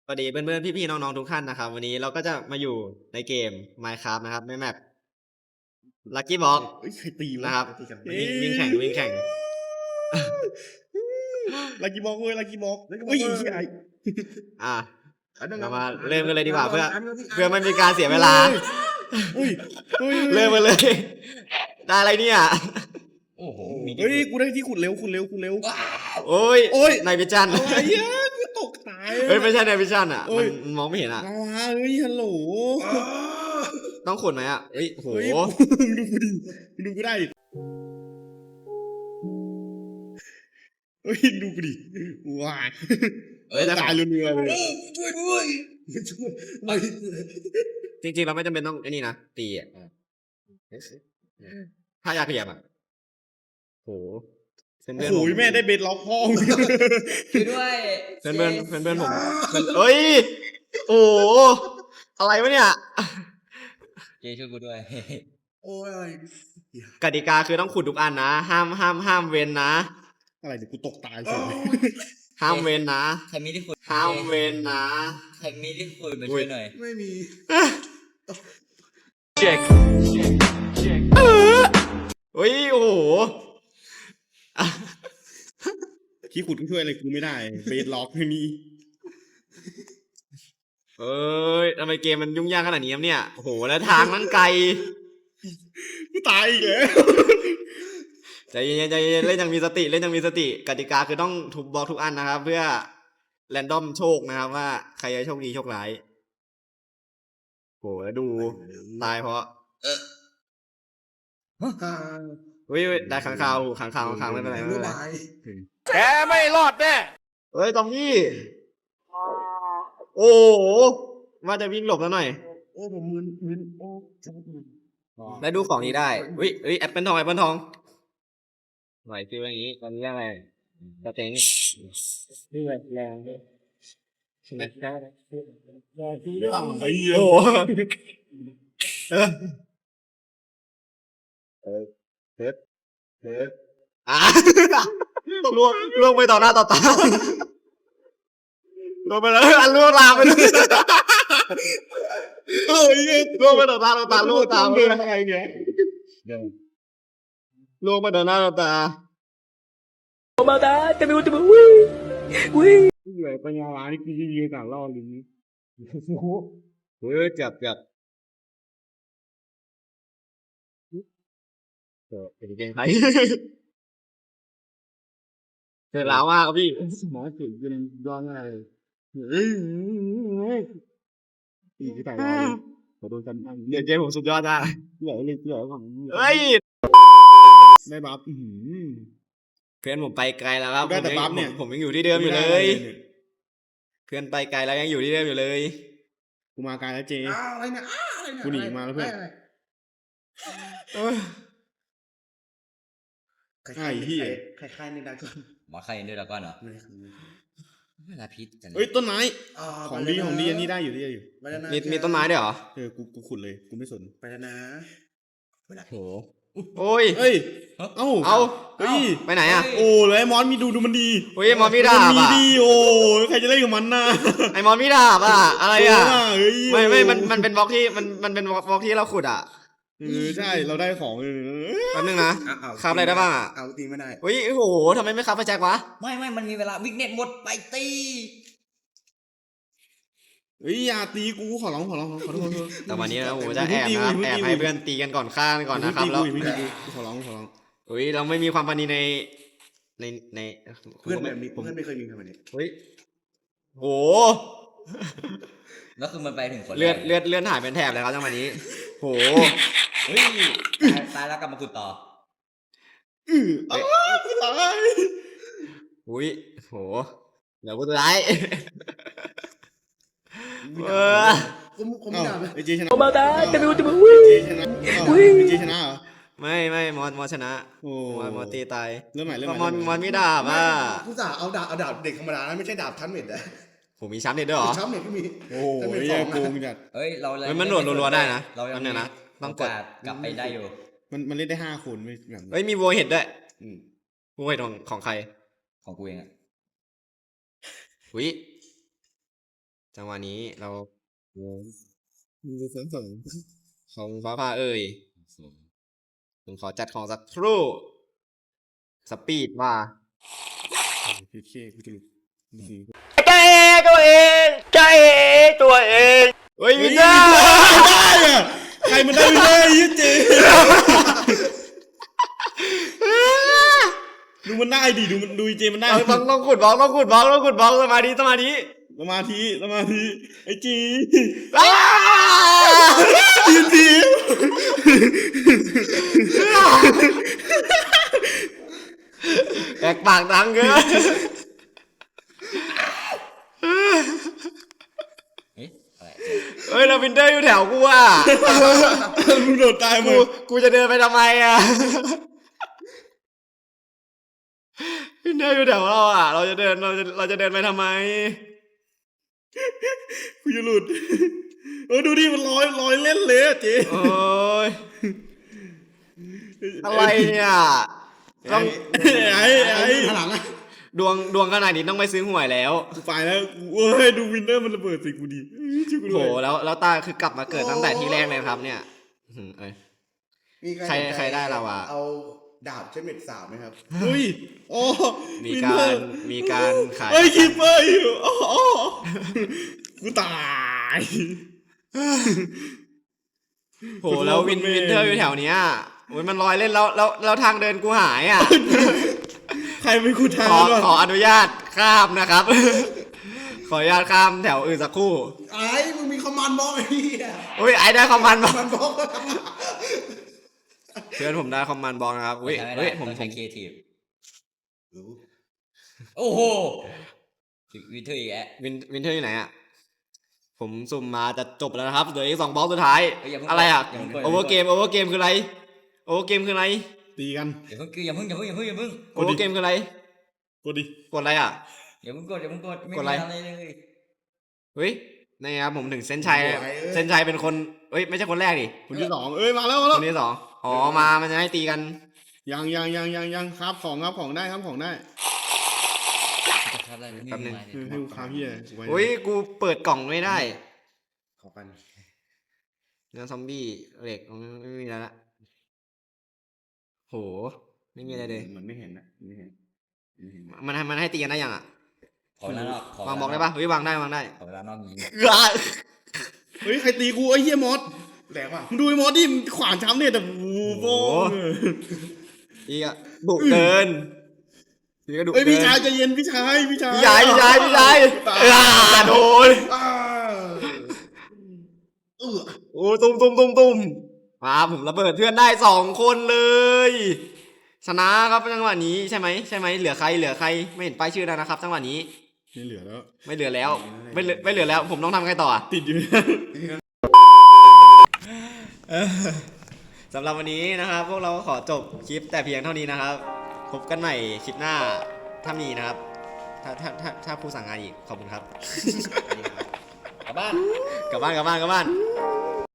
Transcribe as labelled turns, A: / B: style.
A: สวัสดีเพื่อนๆพี่ๆน้องๆทุกท่านนะครับวันนี้เราก็จะมาอยู่ในเกม Minecraft นะครับในแมป Lucky Block
B: เฮ้ยใครตีวะ
A: นะครับ
B: ใครตีกัน
A: วิ่งแข่ง
B: ลักกี้บ็อกเว้ยลักกี้บ็อก
C: Lucky Block
B: เฮ้ย
C: เว้ย
B: เหี้ยไอ้
A: อ่ะ
C: อันนั้น
A: เรามาเริ่มกันเลยดีกว่าเพื่อ
C: อันนั้นพี่
A: เพื่อไม่มีการเสียเวลา
B: เฮ้ยเฮ้ย
A: เริ่มกันเลย ได้อะไรเนี่ย
C: โอ้โห
B: เฮ้ยกูได้ที่ขุดเร็วขุดเร็วขุดเร็ว
A: โอ้ย
B: โอ้ย
A: นายพิจัน
B: อะไรเหี้ยกูตกตาย
A: เฮ้ยไม่ใช่นายพิจันอ่ะ
B: เอ้ย
A: มันมองไม่เห็นอ่ะ
B: ลาวาเฮ้ยฮัลโหล
A: ต้องขุดไหมอ่ะเฮ้ยโห
B: เฮ้ยดูกูดิดูกูได้ดิเฮ้ยดูกูดิว้าย
A: เฮ้ยแต่
B: ตายเรือๆเลย
C: ช่วยด้วยช่วยไม่
A: จริงๆเราไม่จำเป็นต้องไอ้นี่นะตีอ่ะถ้าอยากเหลี่ยมอ่ะโหเพื่อน
B: โอ้
A: ๆ
B: โห
A: ผม
B: แม่ได้เบ็ดล็อกห้อง
C: ช่วยด้วย
A: เพื่อนผมเฮ้ย โอ้โหอะไรวะเนี่ย
C: เจช่วยกูด้วย
B: โอ้ย
A: กติกาคือต้องขุดทุกอันนะ ห้ามเว้นนะ
B: อะไรเดี๋ยวกูตกตายเฉย
A: ห้ามเว้นนะ
C: ใครมีที่คุย
A: ห้ามเว้นนะ
C: ใครมีที่คุยมาช่วยหน่อย
B: ไม่มี
A: เฮ้ย โอ้โห
B: ที่ขุดก็ช่วยอะไรกูไม่ได้ เบสล็อกไม่มี
A: เอ้ยทำไมเกมมันยุ่งยากขนาดนี้ครับเนี่ย โอ้โห แล้วทางนั้นไกล
B: กูตายอีกแล้ว
A: ใจเย็นเล่นยังมีสติ กติกาคือต้องทุบบล็อกทุกอันนะครับ เพื่อแรนดอมโชคนะครับว่าใครจะโชคดีโชคร้ายโหแล้วดูตายเพราะเฮ้ยได้ขังข่าวไม่เป็นไรไม่เป็นไรแกไม่รอดแน่เฮ้ยตอมพี่โอ้โหว่าจะวิ่งหลบแล้วหน่อย
B: โอ้ผมมึนโอ้จับมือ
A: ได้ดูของนี้ได้เฮ้ยแอปเปิลทองหน่อยฟิลอย่างนี้ตอนนี้อะไรสเต็งนี่แรงใช่ไหมได้
B: ไอ้เหี้ย
A: โอ้โหเทปอ่ะล่วงไปต่อหน้าต่อตาล่วงไปแล้วอันล่วงลามไปเลยล่วงไปต่อหน้าต่อตาล่วงตาม
B: เดิ
A: เล
B: น
A: ย
B: อะไรเงี้ย
A: ล่วงไปต่อหน้าต่อตา
B: เหนื่อยปัญญาล้านี่กูยืนต่างรอบนี้
A: เฮ้ยเจ็บเป็นเกมไทยเจอแล้วมากครับพี่
B: สมองเกิดยังย้อนอะไรเฮ้ยอีกต่างรอบขอโดนกันบ้าง
A: เดี๋ยวเกมผมสุดยอดนะ
B: เหลือเลยเหลือของ
A: เฮ้ย
B: ได้บัฟ
A: เพื่อนผมไปไกลแล้วครับ
B: ได้แต่บัฟเนี่ย
A: ผมยังอยู่ที่เดิมอยู่เลย เพื่อนไปไกลแล้วยังอยู่ที่เดิมอยู่เลย
B: กูมาไกลแล้วเจ
C: อะไรเนี่ยอะไรเนี่ย
B: กูหนีมาแล้วเพื่อน
A: เอ้ย
B: ไอ้เหี้ย
C: ใครในดาก้อนหมอใครในดาก้อนเหรอเวลาพิษกัน
B: เฮ้ยต้นไม้ของดีอันนี้ได้อยู่
A: มีต้นไม้ด้วยเหรอ
B: กูขุดเลยกูไม่สน
C: ไปแล้วนะ
A: โหโอ้ย
B: เฮ้ย
A: เอา
B: เฮ้ย
A: ไปไหนอ่ะ
B: โอ้แล้วไอ้มอนมีดูมันดี
A: เฮ้ยมอนมีดาบ
B: มันมี
A: อ่ะ
B: ดีโอ้ใครจะเล่นกับมันน่ะ
A: ไอมอนมีดาบอ่ะอะไรอ่ะ
B: เฮ้ย
A: ไม่มันเป็นบล็อกที่มันเป็นบล็อกที่เราขุดอ่ะ
B: ใช่เราได้ของ
A: แป๊บนึงนะคราฟอะไรได้บ้างอ่ะ
C: เอาตีไม่ได้
A: เฮ้ยโอ้โหทำไมไม่คราฟไฟแจ็ควะ
C: ไม่มันมีเวลาวิกเน็ตหมดไปตี
B: เฮ้ยอย่าตีกูขอร้องขอโทษ
A: แต่วันนี้นะโอ้โหจะแอบนะแอบให้เพื่อนตีกันก่อนฆ่ากันก่อนนะครับแล้ว
B: ขอร้อง
A: เฮ้ยเราไม่มีความปราณีใน
C: เพื่อนแบบนี้เพื่อนไม่เคยมีทำไมเนี่ย
A: เฮ้ยโห
C: แล้วคือมันไปถึงคน
A: เลื่อนหายเป็นแถบเลยครับจังหวะนี้โห
C: เฮ้ยตายแล้วกลับมาขุดต่อ
B: ตาย
A: อุ้ยโหเดี๋ยวกูจะได้
B: ผมไม่ด่าไอเจชนะ
A: มาได้จะดูจะมึง
B: เจชนะเจชนะเหรอ
A: ไม่มอชนะ
B: โอ้
A: มอตีตาย
B: เริ่มใหม่
A: มอนไม่ดาบอ่ะ
D: กูจะเอาดาบเด็กธรรมดานะไม่ใช่ดาบชั้นเม็ดนะ
A: ผมมีช้ำเด็ดด้วยเหรอ
D: ชั้นเม็ดก็มี
B: โอ้
D: ชั้นเม็ด
B: ย
D: สอง
B: โกง
D: นะ
B: จัด
C: เฮ้ยเรา
A: มันโดดรัวๆได้นะ
C: เรายัง
A: เนี่ยนะต้องกด
C: โาสกลับไปได้อยู่
B: มันเล่นได้5 คนไม่แบบ
A: เฮ้ยมีวัวเห็ดด้วย
C: อืม
A: วัวเห็ดของใคร
C: ของกูเองอะ
A: อุ้ยจังหวะนี้เรา
B: มีเซนส์สอง
A: ของฟ้าผ่าเอ่ยผมขอจัดของสักครู่สปีดว่า
B: พีเคกูจะหลุดนี่สิ
A: ใจตัวเองใจตัวเองเฮ้ยวินเนอร์
B: ได้อะใครมันได้ไม่ได้ยี่เจดูมันได้ดิดูมันดูเจมันได้
A: ต้องขุดบล็อกต้องขุดบล็อกต้องขุดบล็อกสมาธิสมาธิ
B: สมาธิไอ้จี
A: อ้า
B: ยืนที
A: แอกปากดังเกิน
C: เอ๊ะอะไร
A: เฮ้ยลาวินเดอร์อยู่แถวกูอ่ะ
B: มึงโดดตายหมด
A: กูจะเดินไปทำไมอ่ะวินเดอร์อยู่แถวเราอ่ะเราจะเดินไปทำไม
B: กูจะหลุดดูดิมันลอยเล่นเลยอะเจ
A: โอ้ยอะไรเนี่ยต้อง
B: ไอ้
D: ข้างหลังอะ
A: ดวงขนาดนี้ต้องไปซื้อหวยแล้ว
B: กูไปแล้วเว้ยดูวินเนอร์มันระเบิดใส่กูดิช่วยกู
A: โห
B: ด้วย
A: แล้วตาคือกลับมาเกิดตั้งแต่ที่แรกเลยนะครับเนี่ยอื้อหือเอ้ย
D: มี
A: ใครได้เราอะ
D: เอาดาบเช่นเม็ดสาวไหมครับ
B: เฮ้ยโอ้
A: มีการขาย
B: เฮ้ยคิปเปอร์อยู่อ๋อกูตาย
A: โหแล้ววินเทอร์อยู่แถวเนี้ยโอ้ยมันลอยเล่นแล้วทางเดินกูหายอ่ะ
B: ใครเป็นกูทาง
A: ขออนุญาตข้ามนะครับ ขออนุญาตข้ามแถวอื่นสักครู่
D: ไอ้มึงมีคอมมานด์บล็อกไอ้เหี้ย
A: อุ้ยไอ้ได้คอมมานด์บ
D: ค
A: อ
D: อก มมานด์บล็อก
A: เพื่อนผมได้คอมมานด์บอกนะครับอุ้ย
C: ใช้ไม่ได้
A: เฮ้ยผม
C: ต้องใช้ครีเอทีฟ
D: รู้
C: โอ้โหวินเทอร์อีกแอะ
A: วินเทอร์อยู่ไหนอ่ะผมสุ่มมาจะจบแล้วนะครับเหลืออีก2บล็อกสุดท้าย
C: เฮ้ยอย่าเพิ่ง
A: อะไรอ่ะ
C: อย่าเพิ่ง
A: โอเวอร์เกมคืออะไรโอเวอร์เกมคืออะไร
B: ตีกัน
C: อย่าเพิ่งอย่าเพิ่ง
A: โอเวอร์เกมคืออะไร
B: กดดิ
A: กดอะไรอ่ะ
C: อย่าเพิ่งกดไม่
A: กดอะไร
C: มีอะไรเลย
A: เฮ้ยนี่ครับผมถึงเส้นชัยเป็นคนเฮ้ยไม่ใช่คนแรกดิ
B: คนที่สองเอ้ยมาแล้ว
A: คนที่สองอ๋อมันจะให้ตีกัน
B: ยังครับของได้ครับของได้
C: จะทำอะไรไม่มี
A: แป๊บนึง
C: อะไร
B: ให้กูคาพี่เลยกูไว้
A: อุ้ยกูเปิดกล่องไม่ได้
D: ขอกัน
A: เนื้อซอมบี้เหล็กไม่มีแล้วละโหไม่มีอะไรเลย
B: เหมือนไม่เห็นนะไม่เห็น
A: มันให้ตีกันได้ยังอ่ะ
C: ขอเวลานอก
A: วางบล็อกได้ปะเฮ้ยวางได้
C: ขอเวลานอกยิง
B: เฮ้ยใครตีกูไอ้เหี้ยมอส
D: แรงป่ะ
B: มึงดูไอ้มอสดิมึงขวานช้ำเนี่ยแต่โอ้โห
A: อีกอ่ะดุเกินอีกก็ดุ
B: เอ้ย
A: เกิ
B: พี่ชาย
A: น
B: ใจเย็นพี่ชาย
A: พี่ชายโดน โอ้ตุ้มมาผมระเบิดเพื่อนได้2 คนเลยชนะครับจังหวะนี้ใช่ไหมเหลือใครไม่เห็นป้ายชื่อแล้วนะครับจังหวะนี้
B: ไม่เหลือแล้ว
A: ไม่เหลือแล้วไม่เหลือแล้ว ผมต้องทำไงต่ออะ
B: ติดอยู่
A: สำหรับวันนี้นะครับ พวกเราก็ขอจบคลิปแต่เพียงเท่านี้นะครับ พบกันใหม่คลิปหน้าถ้ามีนะครับ ถ้าผู้สั่งงานอีกขอบคุณครับ
C: กลับบ้าน
A: กลับบ้าน